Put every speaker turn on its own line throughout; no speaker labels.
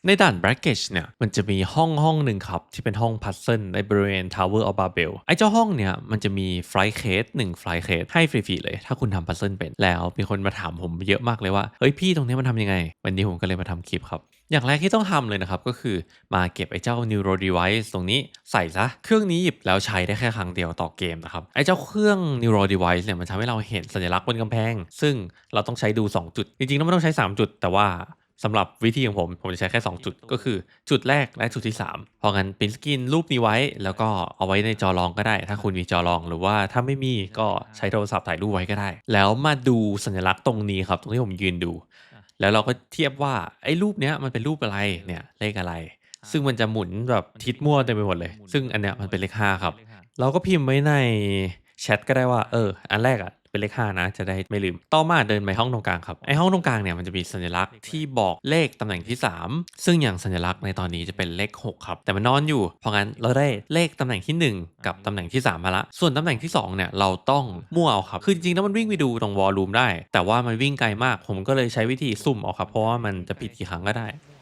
ในด่าน Brackage เนี่ยมันจะมีห้องหนึ่งครับที่เป็นห้องพัซเซิลในบริเวณ Tower of Babel ไอ้เจ้าห้องเนี่ยมันจะมีไฟล์เคส1ไฟล์เคสให้ฟรีๆเลยถ้าคุณทำพัซเซิลเป็นแล้วมีคนมาถามผมเยอะมากเลยว่าเฮ้ยพี่ตรงนี้มันทำยังไงวันนี้ผมก็เลยมาทำคลิปครับอย่างแรกที่ต้องทำเลยนะครับก็คือมาเก็บไอ้เจ้า Neuro Device ตรงนี้ใส่ซะเครื่องนี้หยิบแล้วใช้ได้แค่ครั้งเดียวต่อเกมนะครับไอ้เจ้าเครื่อง Neuro Device เนี่ยมันทำให้เราเห็นสัญลักษณ์บนกำแพงซึ่งเราต้องใช้ดู2จุดจริงๆแล้วมันต้องใช้3จุดแต่ว่าสำหรับวิธีของผมจะใช้แค่2จุดก็คือจุดแรกและจุดที่3เพราะงั้นปริ้นสกรีนรูปนี้ไว้แล้วก็เอาไว้ในจอรองก็ได้ถ้าคุณมีจอรองหรือว่าถ้าไม่มีก็ใช้โทรศัพท์ถ่ายรูปไว้ก็ได้แล้วมาดูสัญลักษณ์ตรงนี้ครับตรงที่ผมยืนดูแล้วเราก็เทียบว่าไอ้รูปเนี้ยมันเป็นรูปอะไรเนี่ยเลขอะไรซึ่งมันจะหมุนแบบทิศมั่วเต็มไปหมดเลยซึ่งอันเนี้ยมันเป็นเลข5ครับเราก็พิมพ์ไว้ในแชทก็ได้ว่าอันแรกเป็นเลข5นะจะได้ไม่ลืมต่อมาเดินไปห้องตรงกลางครับไอห้องตรงกลางเนี่ยมันจะมีสัญลักษณ์ที่บอกเลขตำแหน่งที่3ซึ่งอย่างสัญลักษณ์ในตอนนี้จะเป็นเลข6ครับแต่มันนอนอยู่เพราะงั้นเราได้เลขตำแหน่งที่1กับตำแหน่งที่3มาละส่วนตำแหน่งที่2เนี่ยเราต้องมั่วเอาครับคือจริงๆแล้วมันวิ่งไปดูตรงวอลลุ่มได้แต่ว่ามันวิ่งไกลมากผมก็เลยใช้วิธีสุ่มเอาครับเพราะว่ามันจะผิดกี่ครั้งก็ได้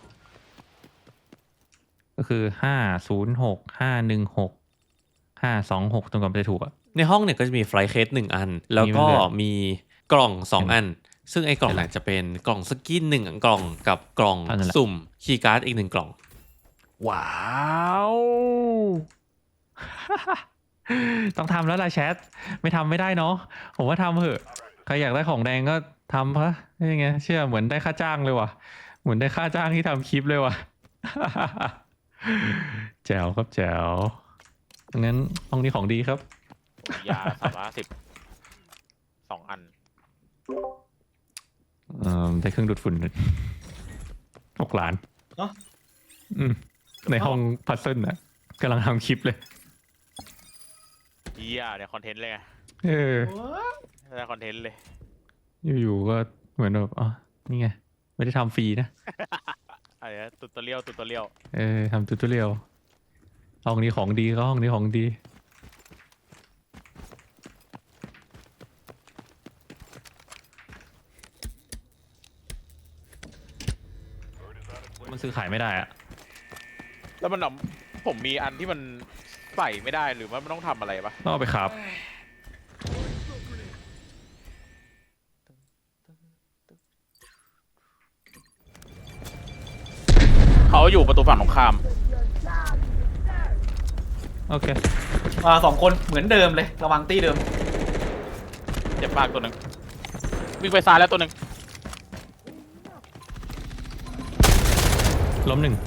ก็คือ506 516 526ตรงกับจะถูกอ่ะ
ในห้องเนี่ยก็จะมีไฟล์เคส1อันแล้วก็มีกล่อง2อันซึ่งไอ้กล่องเนี่ยจะเป็นกล่องสกิน1กล่องกับกล่องสุ่มคีย์การ์ดอีก1กล่อง
ว้าวต้องทำแล้วล่ะแชทไม่ทำไม่ได้เนาะผมว่าทำเถอะใครอยากได้ของแดงก็ทำพะนี่ไงเชื่อเหมือนได้ค่าจ้างเลยว่ะเหมือนได้ค่าจ้างที่ทำคลิปเลยว่ะ แจ๋วครับแจ๋วงั้นห้องนี้ของดีครับ
ยา350 2 อัน
ได้เครื่องดูดฝุ่น6 ล้าน
เนาะ
ในห้องพัซเซิลนะกำลังทำคลิปเลย
เนี่ยคอนเทนต์เลยไงได้คอนเทนต์เลย
อยู่ๆก็เหมือนแบบอ๋อนี่ไงไม่ได้ทำฟรีนะ
อะไรนะตุตเลียว
ทำตูตเรียลห้องนี้ของดีก็ห้องนี้ของดีมันซื้อขายไม่ได้อะ
แล้วมันผมมีอันที่มันใส่ไม่ได้หรือว่ามันต้องทำอะไรปะ
ต้องเอาไปครับ
เขาอยู่ประตูฝั่งตรงข้าม
โอเค
2 คนเหมือนเดิมเลยระวังตี้เดิม
เจ็บมากตัวหนึ่งวิ่งไปซ้ายแล้วตัวหนึ่ง
ล้ม1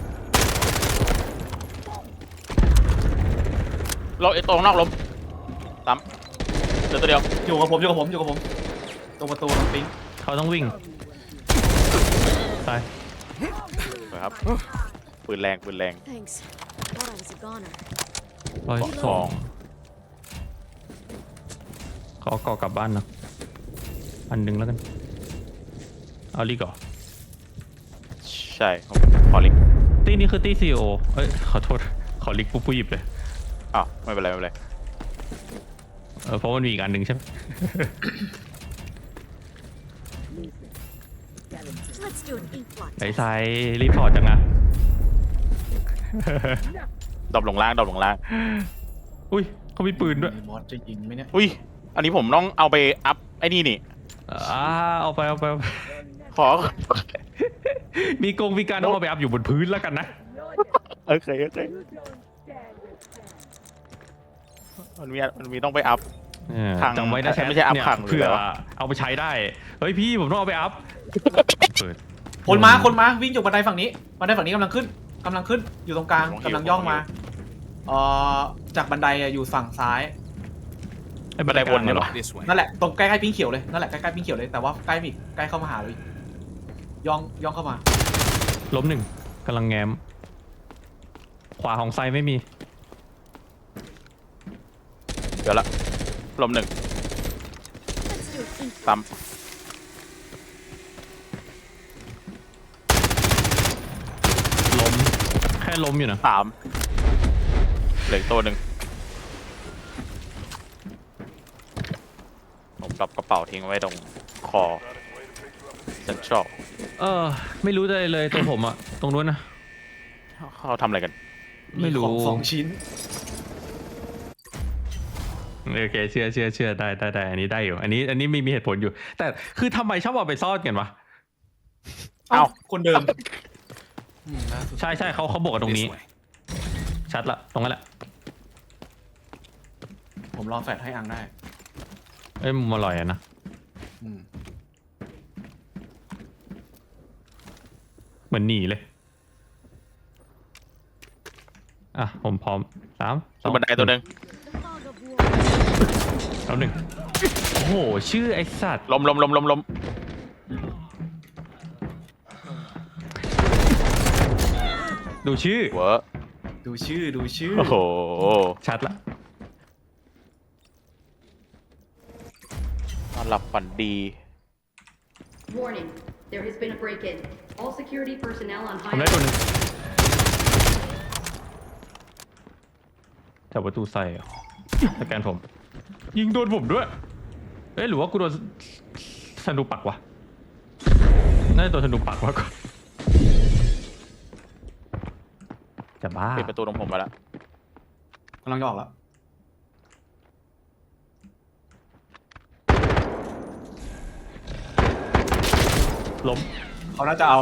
เราตรงนอกล้มซ้ำเจอตัวเดียว
อยู่กับผมตรงประตูตรงปิ๊ง
เขาต้องวิ่งตาย
ครับปืนแรง
Thanks. Thought I was a goner.
102เขาก่อกลับบ้านนะอันหนึ่งแล้วกันเอาลีก่อน
ใช่ขอลิงก์
ตีนี้คือตีซีโอขอโทษขอลิกปุ๊บหยิบเลย
ไม่เป็นไร
เพราะมันมีอีกอันหนึ่งใช่ไหม
Let's do an ink blot.
ไอ้ไซรีพอร์ตจังอะ
ดรอปลงล่าง
อุ้ยเขามีปืนด้วย
มอสจะยิงไหมเนี่ย
อุ้ยอันนี้ผมต้องเอาไปอัพไอ้นี่
เอาไป
ขอ
มีการเอาไปอัพอยู่บนพื้นแล้วกันนะ
โอเคมันมีต้องไปอัพ
จำไว้นะแชท
ไม่ใช่อัพขัง
เผื่อเอาไปใช้ได้เฮ้ยพี่ผมต้องเอาไปอัพ
คนมาวิ่งจากบันไดฝั่งนี้กำลังขึ้นอยู่ตรงกลางกำลังย่องมาจากบันไดอยู่ฝั่งซ้าย
ไอ้บันไดบนเนี่ยหรอ
นั่นแหละตรงใกล้ๆปิ้งเขียวเลยนั่นแหละใกล้ๆปิ้งเขียวเลยแต่ว่าใกล้เข้ามาหาเลยย่องเข้ามา
ล้ม1กำลังแง้มขวาของไซไม่มี
เดี๋ยวละล้ม1 ซ้ำ
แค่ล้มอยู่นะ
3เหลือตัวหนึ่งผมรับกระเป๋าทิ้งไว้ตรงคอเซ็นทรัล
ไม่รู้เลยตัวผมอะตรงนู้นนะ
เขาทำอะไรกัน
ไม่รู้
ของ2 ชิ้น
โอเคเชื่อได้อันนี้ได้อยู่ อันนี้มีเหตุผลอยู่ แต่คือทำไมชอบเอาไปซ่อนกันวะ
เอ้า
คนเดิมล่าสุด
ใช่เขาบอกกันตรงนี้ ชัดละตรงนั้นแหละ
ผมรอแฟดให้อังได้
เอ้ยมันอร่อยอะนะ
อืม
เหมือนหนีเลย อ่ะผมพร้อม3
ตัวบันไดตัวหนึ่ง
The fog of war.
แล้ว 1โอ้โหชื่อไอสัตว์
ล้ม
ดูชื่อ
เวอร์
ดูชื่อ
โอ้โห
ชัดละ
นอนหลับฝันดี
Warning, there has been a break-in. All security personnel on
ผมได้
high
ตัวหนึงจับประตูใส่เหรอสแกนผม ยิงโดนผมด้วย เอ้ยหรือว่ากูโดนธนูปักวะน่าจะโดนธนูปักมากกว่าจะบ้า
ปิดประตูตรงผมมาแล้ว
กำลังจะออกแล้ว
ล้ม
เขาน่าจะเอา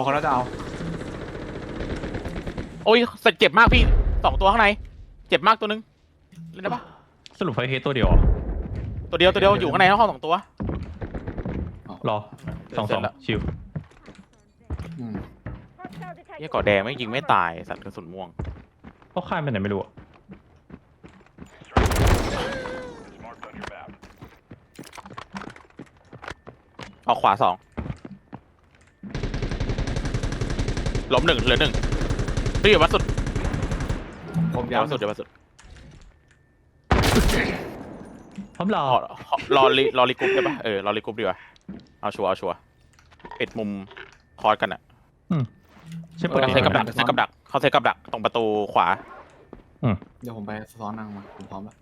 โอ้ยเจ็บมากพี่2 ตัวข้างใน เจ็บมากตัวหนึงเล่นได้ปะ
สรุปไฟเฮดตัวเดียวเหรอ
ตัวเดียวอยู่ข้างในห้อง2 ตัว
รอ
เสร็จแล้ว
2ชิว
อืม
เหี้ยก่อแดงไม่ยิงไม่ตายสัตว์กระสุนม่วง
เขาข้ามไปไหนไม่รู้อะ
ออกขวา2 ล้ม 1เหลือ 1พี่อยู่วัดสุด
ผม
เดี๋ยววัด
ย้ำ
สุดเดี๋ยววัดสุด
พร้อมรอ
รอรีกรุ๊ปได้ปะรอรีกรุ๊ปดีกว่าเอาชัวร์ปิดมุมคอร์สกันอ่ะ
ใช่เปิด
เขาเซตกับดักตรงประตูขวา
เดี๋ยวผมไปซ้อนอังมา ผมพร้อมแล้ว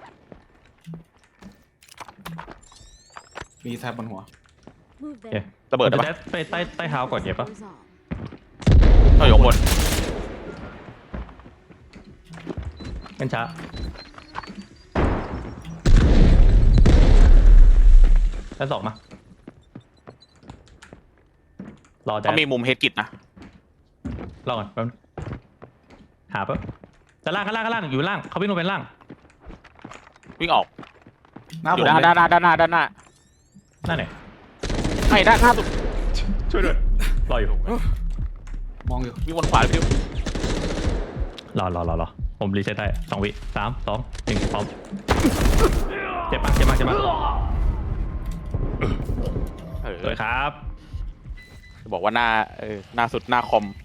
มีแทบบนหัว
Move
โอเค
there.
ระเบิดได้
จะ
ปะ
ได้ไปใต้เท้าก่อนเก็บปะ
Goes on.
ต้องอยู่ข้างบน
กันช้าชั้น2มารอแด
เขา
ด
มีมุมเฮดกิตนะ
รอก่อนแป๊บนึงหาปะจะล่างข้างล่างอยู่ล่างเขาวิ่งลงไปล่าง
วิ่งออก
หน้า
อ
ผม
ยู่
เลย
ด้านหน้า
นั่นไหน
ไม่ด้านหน้าสุด
ช่วยด้วยรออยู่
มองอยู่
วิ่งวนขวาพี่
รอผมรีเซ็ตได้2 วิ 3 2 1พร้อมเจ็บมากสวยครับ
จะบอกว่าหน้าสุดหน้าคอม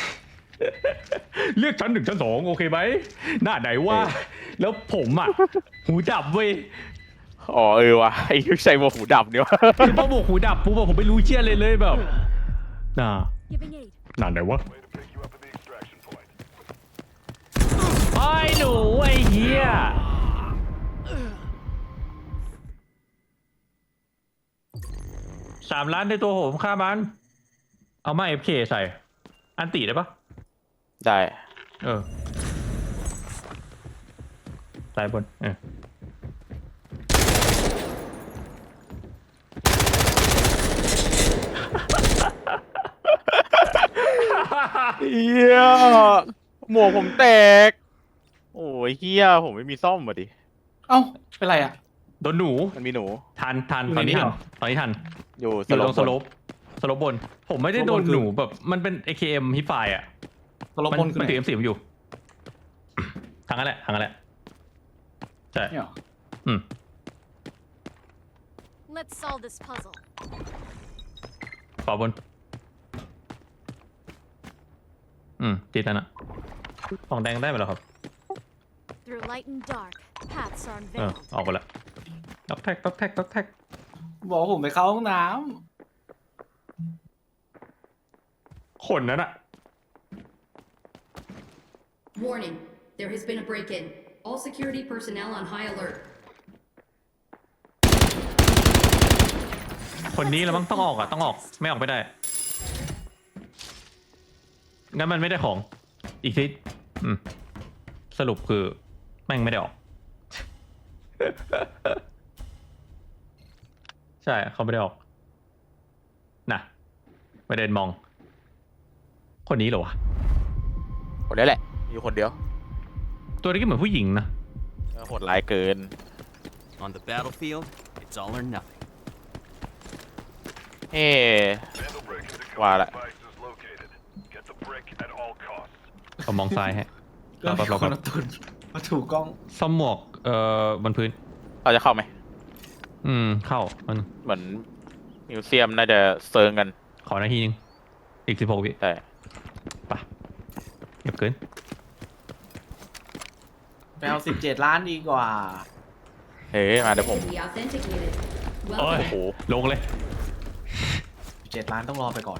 เลือกชั้น 1 ชั้น 2โอเคไหมหน้าไหนว่า แล้วผมอ่ะ หูดับเว้ย
อ๋อวะไอ้ใส่หมวกหูดับเนี่ยวะ
คือพอบอกหูดับปุ๊บอะผมไม่รู้เชี่ยเลยแบบน่า
Giving aid.
หน้าไหนวะไอ้หนูไอ้เหี้ย3 ล้านในตัวผมฆ่ามัน เอามา FK ใส่ อันติได้ปะ
ได้
สายบน
เฮียหมวกผมแตก โอ้ยเฮียผมไม่มีซ่อมมาดิ
เอ้า เป็นไรอ่ะ
โดนหนู
มันมีหนู
ทัน
อยู่
ตอนนี้
ในนี้
ทัน
เหรอ
ตอนนี้ทัน
อยู่
อยู่ตรงส
บ
โล
น
ปสโลปบน ผมไม่ได้โดน
สโลปบนคือ
หนูแบบมันเป็น AKM ฮิปไฟอ่ะ
ตลบนคือ
มัน
ไหน
ถือ M4 อยู่ ทางนั้นแหละใช่
เนี่ยเหรอ
Let's solve this puzzle.
ขวาบน ติดแล้วนะของแดงได้ไหมล่ะครับ
Through light and dark, paths are
ออก
unveiled.
ไปละต๊อกแท็ก
บอกว่าผมไปเข้าห้องน้
คนนั้นอะ
Warning, there has been a break-in. All security personnel on high alert.
คนนี้แล้วมั้งต้องออก ไม่ออกไม่ได้ งั้นมันไม่ได้ของอีกทีสรุปคือแม่งไม่ได้ออก ใช่เขาไม่ได้ออกนะไปเดินมอง คนนี้เหรอวะ
คนนี้แหละอยู่คนเดียว
ตัวนี้ก็เหมือนผู้หญิงนะ
โหดร้ายเกิน
On the battlefield, it's all or nothing.
เอ๊ว่าละ
เขามองซ้ายฮะ
ก็มี
เรา
คนเอาตุนมาถูกกล้อง
ซ่อมหมวกบนพื้น
เราจะเข้าไหม
เข้ามัน
เหมือนมิวเซียมน่าจะเซิงกัน
ขอนาทีนึงอีก16 วิ
แต่
ไปเก็บเกิน
ไปเอา17 ล้านดีกว่า
เฮ้ยมาเดี๋ยวผม
Identity authenticated.
โอ้ย
โอ้โห
ลงเลย
17 ล้านต้องรอไปก่อน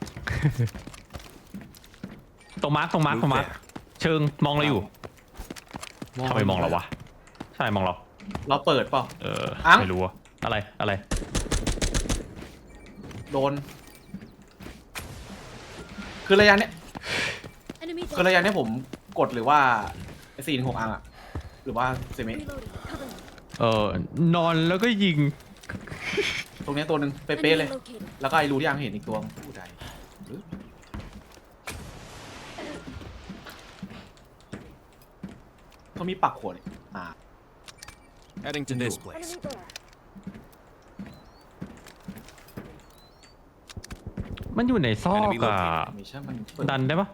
ตรงมาร์คเชิงมองเราอยู่ทำไมมองเราวะใช่มองเรา
เราเปิดเปล่า
อังไม่รู้อะอะไร
โดน คือระยะเนี้ย
Enemy
คือ
down.
ระยะเนี้ยผมกดหรือว่า4-6 อังอะหรือว่าเซมิ
Reloading. Cover me.
นอนแล้วก็ยิง
ตรงเนี้ยตัวหนึ่งเป๊ะ
Enemy
ๆเลย
located.
แล้วก็ไอ้รูที่ยังเห็นอีกตัวผู้ใดหรือเขามีปักขวดนี่
Heading to this place.
Enemy there.
มันอยู่ในซอก
Enemy
อะ
located.
ไม่ใช่มันเปิด
ดันได้ปะ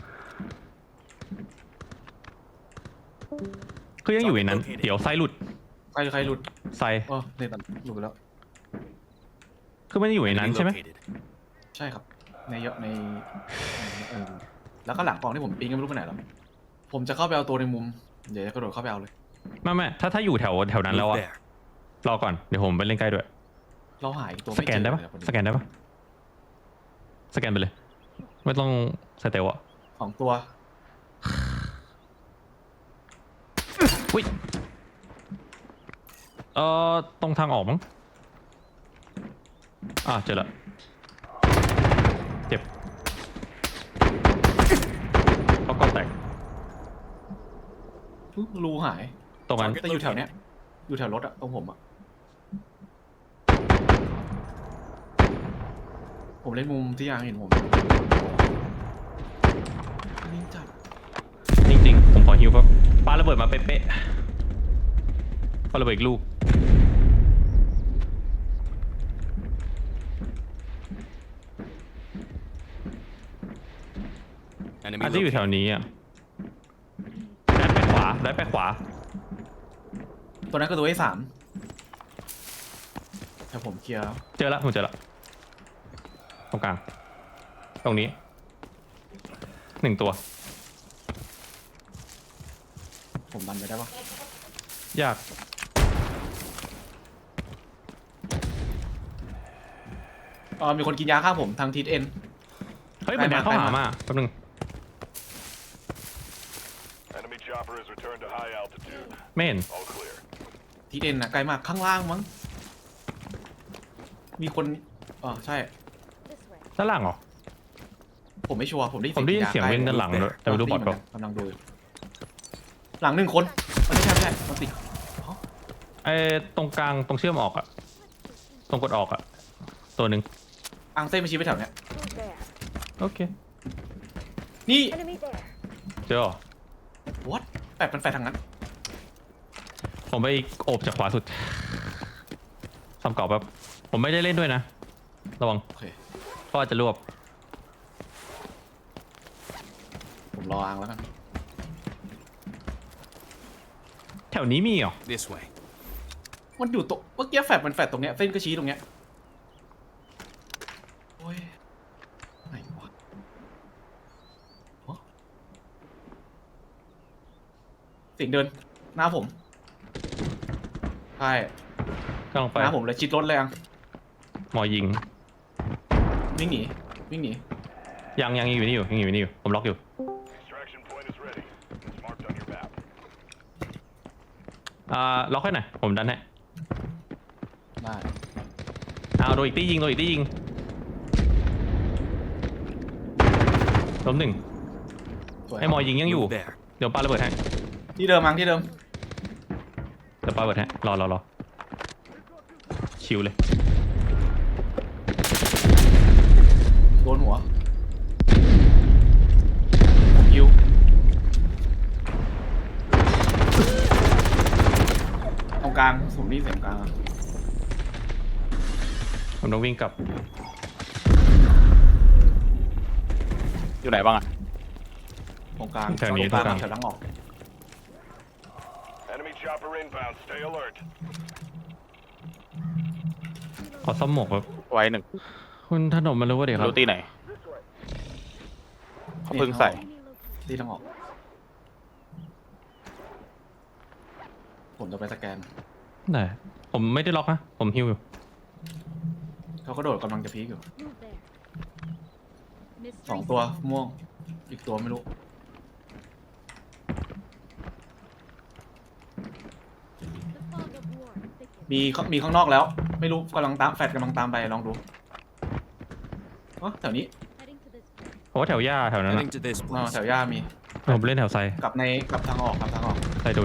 คือยังอยู่ในนั้น เดี๋ยวไซหลุด
ใครหลุด
ไซ
เออเนี่ยตัดหลุดไปแล้ว
คือมันอยู่ในนั้น
Enemy
ใช่ไหม
located.
ใช่ครับ ในเยอะในแล้วก็หลังกล่องที่ผมปิ้งก็ไม่รู้ไปไหนแล้ว ผมจะเข้าไปเอาตัวในมุม เดี๋ยวจะกระโดดเข้าไปเอาเลย
ไม่ถ้าอยู่แถวนั้นแล้ว
Move
อะ
there.
รอก่อนเดี๋ยวผมไปเล่นใกล้ด้วย
เราหายตัว
ส
ไม่
แก
เจ
น
อ
ได้ปะ
เลยอะพอดี
สแกนได้ปะสแกนไปเลย ไม่ต้องสเตลอะ
2 ตัว
อุ้ยตรงทางออกมั้งเจอละเจ็บเขาก็แตก
รูหาย
ตรงนั้น
แต่อยู่แถวเนี้ย อยู่แถวรถอะตรงผมอะผมเล่นมุมที่ยังเห็นผมนี่จัด
จริงๆ ผมขอฮิวครับปาระเบิดมาเป๊ะๆปาระเบิดอีกลูก
Enemy
อาจจะอยู่แถ
located.
วนี้อ่ะได้ไปขวา
ตัวนั้นก็ตัวที่3แต่ผมเคลียร์แล้ว
ผมเจอละตรงกลาง ตรงนี้ 1 ตัว
ผมดันไปได้ปะ
ยาก
มีคนกินยาฆ่าผมทางทิศเอ็น
เฮ้ยเหมือนแดนเข้าหามาแป๊บนึง
Enemy chopper has returned to high altitude.
ไม่เห็น
All clear.
ทิศเอ็นนะไกลมากข้างล่างมั้ง มีคนใช่
This way.
ด้านล่างเหรอ
ผมไม่ชัวร์ผมได้
ผมได้ยินเสียง
ใกล้
วิ่งด้านหลังด้วยแต่ไม่รู้บอทเปล่า
กำลังดูอยู่หลัง1 คนมันไม่ใช่มันติด
ตรงกลางตรงเชื่อมออกอะตรงกดออกอะตัวหนึ่ง
อังเซ่มาชี้ไปแถวเนี้ย
Who's there?
โอเค
นี่
Enemy there.
เจอเหรอ
what แปดเป็นแฟนทางนั้น
ผมไปโอบจากขวาสุดซ้ำเก่าแบบผมไม่ได้เล่นด้วยนะ ระวัง
โอเค
เขาอาจจะรวบ
ผมรออังแล้วกัน
แถวนี้มีเหรอ
This way.
มันอยู่ตรงเมื่อกี้แฟดมันแฟดตรงเนี้ยเส้นก็ชี้ตรงเนี้ยโอ้ยไหนวะเสียงเดินหน้าผมใช่
กำลังไป
หน้าผมเลยชิดรถเลยอัง
หมอยิง
วิ่งหนี
ยังอยู่นี่อยู่ผมล็อกอยู่
Extraction point is ready. It's marked on your map.
ล็อกให้หน่อยผมดันให้
ได้
โดนอีกตียิงล้ม 1
สวย
ไอ้หมอยิงยังอยู่
Move there.
เดี๋ยวปาระเบิดให้
ที่เดิมมั้งที่เดิม
เดี๋ยวปาระเบิดให้รอชิวเลย
โดนหัวผมยิวตรงกลางผมนี่เสียงกลางอะ
ผมต้องวิ่งกลับ
อยู่ไหนบ้างอะ
ตรงกลาง
แถวนี้
ตรงกลาง
ตรงกลาง
แถวหลังออก
Enemy chopper inbound. Stay alert.
ขอซ่อมหมวกครับ
ไว้หนึ่ง
คุณถนนมารู้ว่าเดี๋ยวครับ
รู้ตีไหนเขาเพิ่งใส่
ที่ทางออก ผมจะไปสแกน
ได้ผมไม่ได้ล็อกนะผมฮิวอยู่
เขาก็โดดกำลังจะพีกอยู่
Move there. Mystery
สองตัว
solved.
ม่วง อีกตัวไม่รู้
The fog of war thickens.
มีข้างนอกแล้ว ไม่รู้กำลังตามแฟดกำลังตามไปลองดูอ๋อแถวนี้
Heading to this place.
เพราะว่าแถวหญ้าแถวนั้น
Heading to this
อ๋อ
place.
แถวย่ามี
ผมเล่นแถวไซ
กลับทางออกกลับทางออก
ไซดุน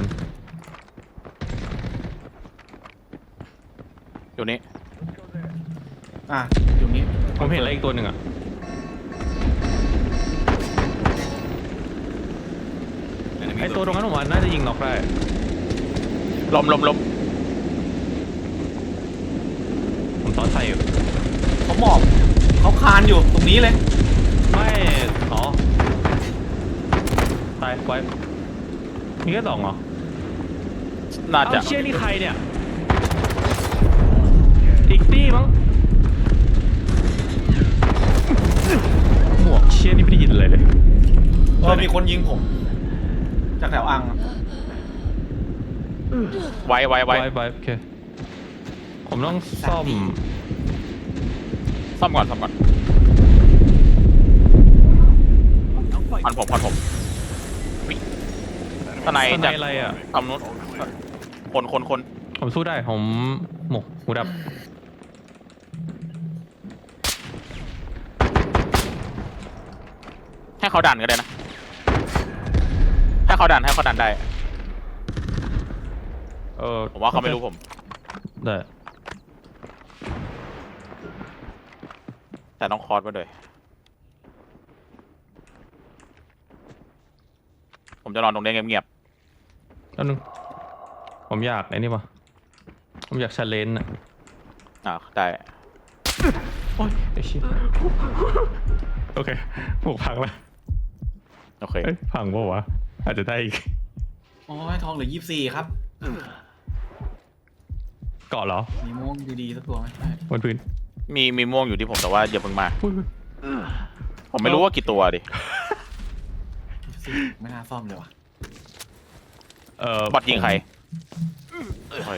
อยู่นี้
อ่ะอยู่นี้
ผมเห็นอะไรอีกตัวหนึ่งอ่ะ
Enemy
ไอตัวตรงนั้นผมว่าน่าจะยิงน็อกได้
ลม
ผมซ้อนไซอยู่
เขาหมอบเขาคานอยู่ตรงนี้เลย
ไม่อ๋อตายไว้มีแค่สองเหรอ
น่าจะ
เอาเชี่ยนี่ใครเนี่ยอีกตี้มั้งหมวกเชี่ยนี่ไม่ได้ยินอะไรเลย
มีคนยิงผม จากแถวอังอะ
ไว้
ไว้โอเคผมต้องซ่อม
ซ่อมก่อนพันผมวิ่งทนาย
สไน
จาก
อะไรอ่ะ
ฝั่งนู้นคน
ผมสู้ได้ผมหมกหูดับ
ให้เขาดันก็ได้นะ ให้เขาดันได้ ผมว่าเขาไม่รู้ผม
ได้
แต่ต้องคอร์สมาด้วยผมจะนอนตรงนี้เงียบ
แล้วนึงผมอยากไอ้นี่ป่ะผมอยากชาเลนจ์อ่ะ
ได้
โอ้ยไอ้ชิบโอเคหมวกพังแล้ว
โอเค
เอ้ยพังป่าวะอาจจะได้อีก
โอ้ยทองเหลือ24ครับ
เกาะเหรอ
มีม่วงดีๆสักตัวไหมใช่
บนพื้น
มีม่วงอยู่ที่ผมแต่ว่าอย่าเพิ่งมา
อุ้ย
ผมไม่รู้ว่ากี่ตัวดิ
ไม่น่าซ่อมเลยว่ะ
บอทยิงใครโอเค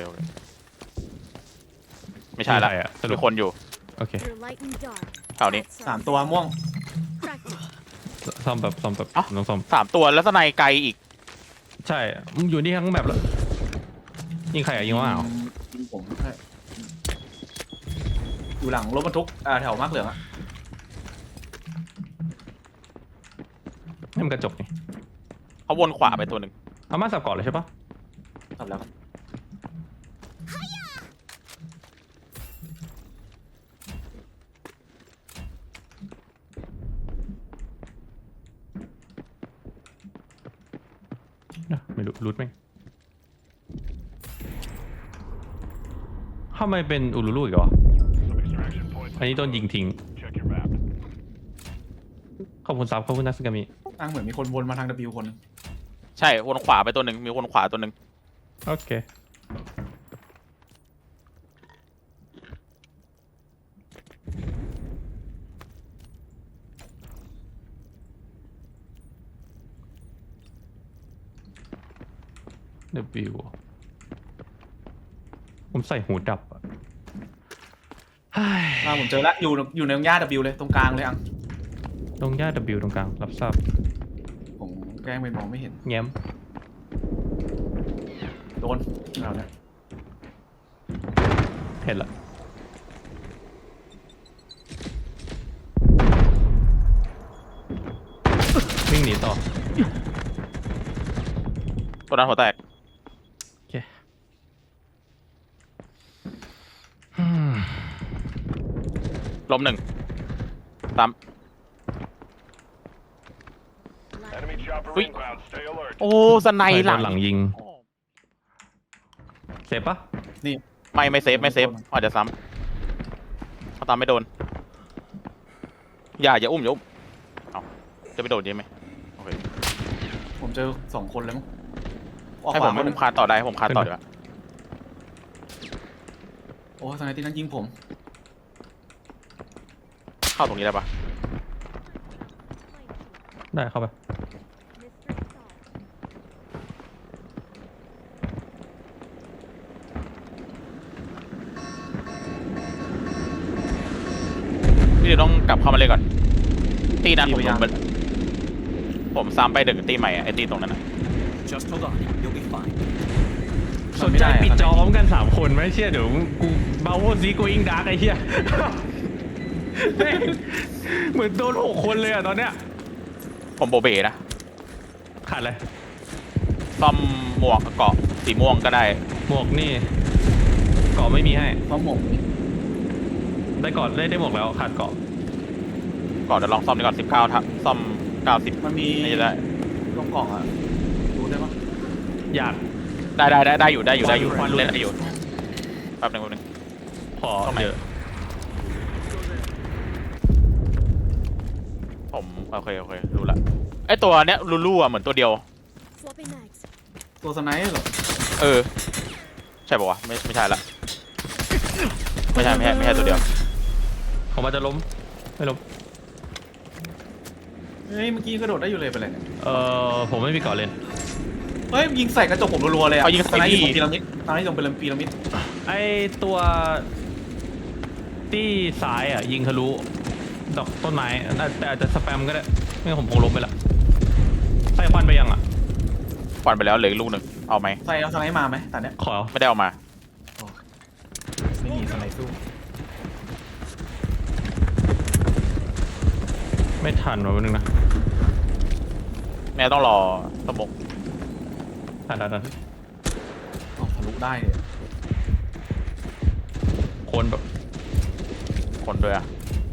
ไม่ใช่ละ
อะสรุ
มี
ป
คนอยู่
โอเค
Through light and dark.
แถวนี้
paths
สาม
are
ตัวม่วง
practice.
ซ่อมแบบ
เอ้า
น้องซ่อม
3 ตัวแล้วสไนไกลอีก
ใช่มึงอยู่นี่ทั้งแบบแล้วยิงใครอ่ะยิงว่าอ้าว
ยิงผมใช่อยู่หลังรถบรรทุกแถวมาร์กเหลืองอะ
นี่มันกระจกนี่
เขาวนขวาไปตัวหนึ่ง
เอามาสับเกาะเลยใช่ปะ
ทำแล้วครับ
นะไม่รู้รูทไหมทำไมเป็นอูรูลูอีกเหรอ
Extraction point.
อันนี้โดนยิงทิ้ง
Check your map.
ขอบคุณซับขอบคุณนักสกามิ
อ้างเหมือนมีคนวนมาทาง W คน
ใช่วนขวาไปตัวหนึ่งมีวนขวาตัวหนึ่ง
โอเคW ผมใส่หูดับอ่ะเฮ้ย
ผมเจอแล้วอยู่ในหญ้า W เลยตรงกลางเลยอัง
ตรงหญ้า W ตรงกลาง รับทราบ
ผมแกล้งไปมองไม่เห็น
แง้ม
โดนเราเนี่ย
เห็นละวิ่งหนีต่อ
ตัวนั้นหัวแตก
โอเคอืม
ล้มหนึ่งตาม
Enemy chopper
Ui.
inbound. Stay alert.
โอ้สไน
ใคร
ห
โด
ลั
น
ง
หลังยิงเสร็จปะ
ไม่เซฟอาจจะซ้ำเขาตามไม่โดนอย่าอุ้มเอาจะไปโดนยังไหมโอเค
ผมเจอ2 คนเลยมั้งออก
ให้
ข
ผ
วาม คนหนึ่ง
คานต่อได้ผมคานต่อดีกว่า
โอ้สไนที่นั่นยิงผม
เข้าตรงนี้ได้ปะ
ได้เข้าไป
Mystery solved.
พี่ต้องกลับเข้ามาเลยก่อนตีนั้นผมซ้ำไปดึกตีใหม่อะไอตีตรงนั้นนะ
Just hold on. You'll be fine.
สนใจปิดจอพร้อมกัน3 คนไหมเชี่ยเดี๋ยวกูเบาโวซีกูอิงดาร์กไอ้เหี้ย แม่งเหมือนโดน6 คนเลยอ่ะตอนเนี้ย
ผมโบเบนะ
ขาดเลย
ซ่อมหมวกเกาะสีม่วงก็ได้
หมวกนี่เกาะไม่มีให้
เพราะผม
ได้เกาะได้หมวกแล้วขาดเกาะ
ก่อนเดี๋ยวลองซ่อมดีก่อน19ทับซ่อม90
มันมี
นี่จะได้
ลงกล่องอะดูได้ปะ
อยาก
ได้อยู่
ควันหลุด
เล่นได้อยู่แป๊บนึง
ขอ
ตรงไหน
เยอะ
ผมโอเครู้ละไอตัวเนี้ยลูอ่ะเหมือนตัวเดียว
Swapping mags.
ตัวสไนเหรอ
เออใช่ป่าวะไม่ใช่ละไม่ใช่ตัวเดียว
ผมอาจจะล้มไม่ล้ม
เฮ้ยเมื่อกี้กระโดดได้อยู่เลยไปเลยเนี่ย
ผมไม่มีเกาะเลน
เฮ้ยยิงใส่กระจกผมรัวๆเลยอะ
เอายิง
สไน
ใส่
ยิง
พี่
พีระมิดสไนยิงเป็นพีระมิด
ไอตัวที่ซ้ายอ่ะยิงทะลุดอกต้นไม้แต่อาจจะสแปมก็ได้ไม่งั้นผมคงล้มไปละใส่ควันไปยังอ่ะ
ควันไปแล้วเหลืออีกลูกหนึ่งเอาไหม
ใส่เอาสไนมาไหมตอนเนี้ย
ขอ
ไม่ได้เอามา
ไม่มีสไนสู้
ไม่ทันวะวันนึงนะ
แม่ต้องรอสมก
ทัน
อ๋อทะลุได้เลย
คนแบบ
คนด้วยอ่ะ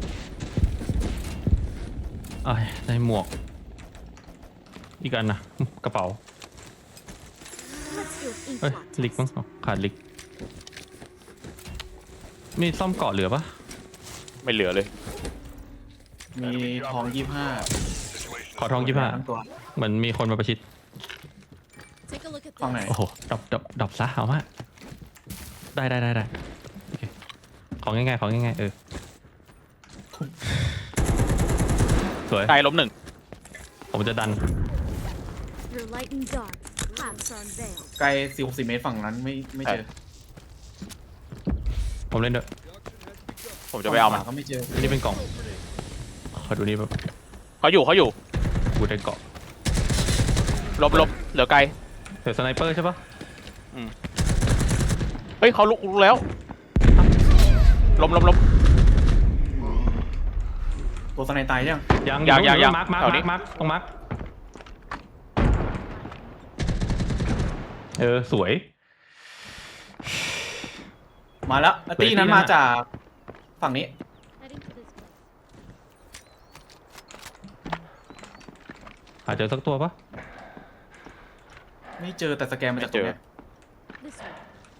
เอ้ยได้หมวก อีกอันนะกระเป๋า
Let's do an
เอ้ย
ink
ลิก
blot
มั้ง
test.
อ๋อขาดลิก มีซ่อมเกาะเหลือปะ
ไม่เหลือเลย
มีทอง 25
ขอทอง25
ทั้งตัว
เหมือนมีคนมาประชิด
Take a look at
ฝั่งไหน
this.
โอ้โหดับซะเอามาได้โอเคของง่ายๆสวย
ไกลล้มหนึ่ง
ผมจะดัน
Through light and dark, paths are unveiled.
ไกล40 เมตรฝั่งนั้นไม่เจอ
ผมเล่นด้วย
ผมจะไปเอามัน
ฝั่งขวก็ไม่เจอ
อันนี้เป็นกล่อง ขอดูนี่แบบ
เขาอยู่
กูได้เกาะ
ลบเหลือไกล
เดี๋ยวสไนเปอร์ใช่ปะ
เฮ้ยเขาลุกแล้วล้ม
ตัวสไนตายยัง
ยัง
มาร์ค
แถวนี้
ตรงมาร์คสวย
มาแล้วตีนั้นมาจากฝั่งนี้
Heading to this place.
หาเจอสักตัวปะ
ไม่เจอแต่สแกนมาจากตรงเนี้ย
This way.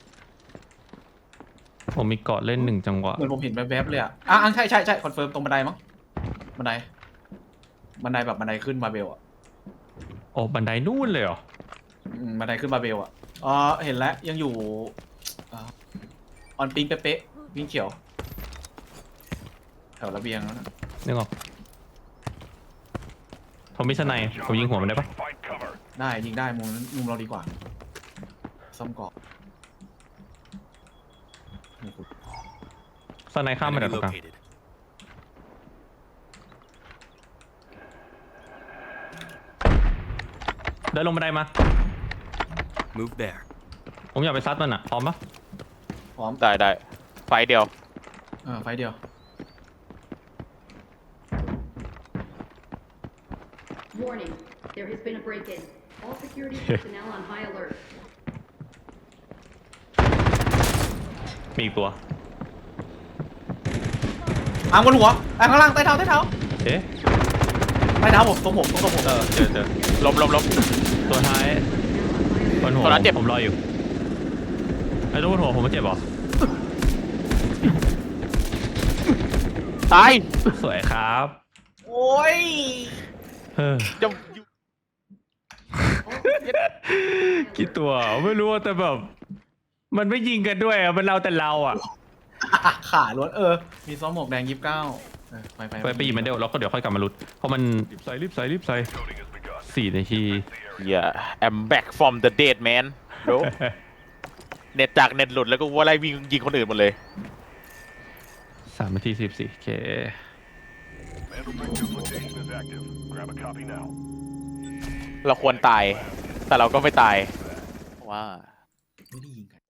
ผมมีเกาะเล่น1 จังหวะ
เหมือนผมเห็นแวบๆเลยอ่ะใช่คอนเฟิร์มตรงบันไดมั้งบันไดแบบบันไดขึ้นบาเบลอ่ะ
โอ้บันไดนู่นเลยเหรอ
บันไดขึ้นบาเบลอ่ะเห็นแล้วยังอยู่ออนปิงเป๊ะๆวิ่งเขียวแถวระเบียงแล้วนะ
นึกออกผมมีสไนป์ผมยิงหัวมันได้ปะ
Find cover.
ได้ยิงได้มุมเราดีกว่าซ่อมเกาะ
สไนป์ข้ามมาจาก
Enemy
ตรงกลาง
located.
เดินลงบันไดมา
Move there.
ผมอยากไปซัดมันอ่ะพร้อมปะ
พร้อม
ได้ไฟเดียว
ไฟเดียว
Warning. There has been a break-in. All security personnel on high alert.
มีอีกตัว
อ่างบนหัวอ่างข้างล่างใต้เท้าใต้เท้า
เอ๊ะ
ใต้เท้าผมตรงผมตรงผม
เจอ
ล้ม
ตัวท้ายบนหัว
ตัวนั้นเจ็บ
ผมรออยู่ไอ้ตัวบนหัวผมไม่เจ็บเหรอ
ตาย
สวยครับ
โอ้ย
เออ
จะ
กี่ตัวไม่รู้อะแต่แบบ มันไม่ยิงกันด้วยอะมันเราแต่เราอะ
ขาล้วนมีซ้อมหมวกแดง29
ไปหยิบมันเดี๋ยวเราก็เดี๋ยวค่อยกลับมาลุ้นเพราะมันรีบใส่4 นาที
อย่า I'm back from the dead man bro เน็ตจากเน็ตหลุดแล้วก็ว่าไล่วิ่งยิงคนอื่นหมดเลย
3 นาที 14โอเค
Mandel Brick duplication is active. Grab a copy now.
เราควรตาย แต่เราก็ไม่ตายว่า
ไม่ได้ยิงกัน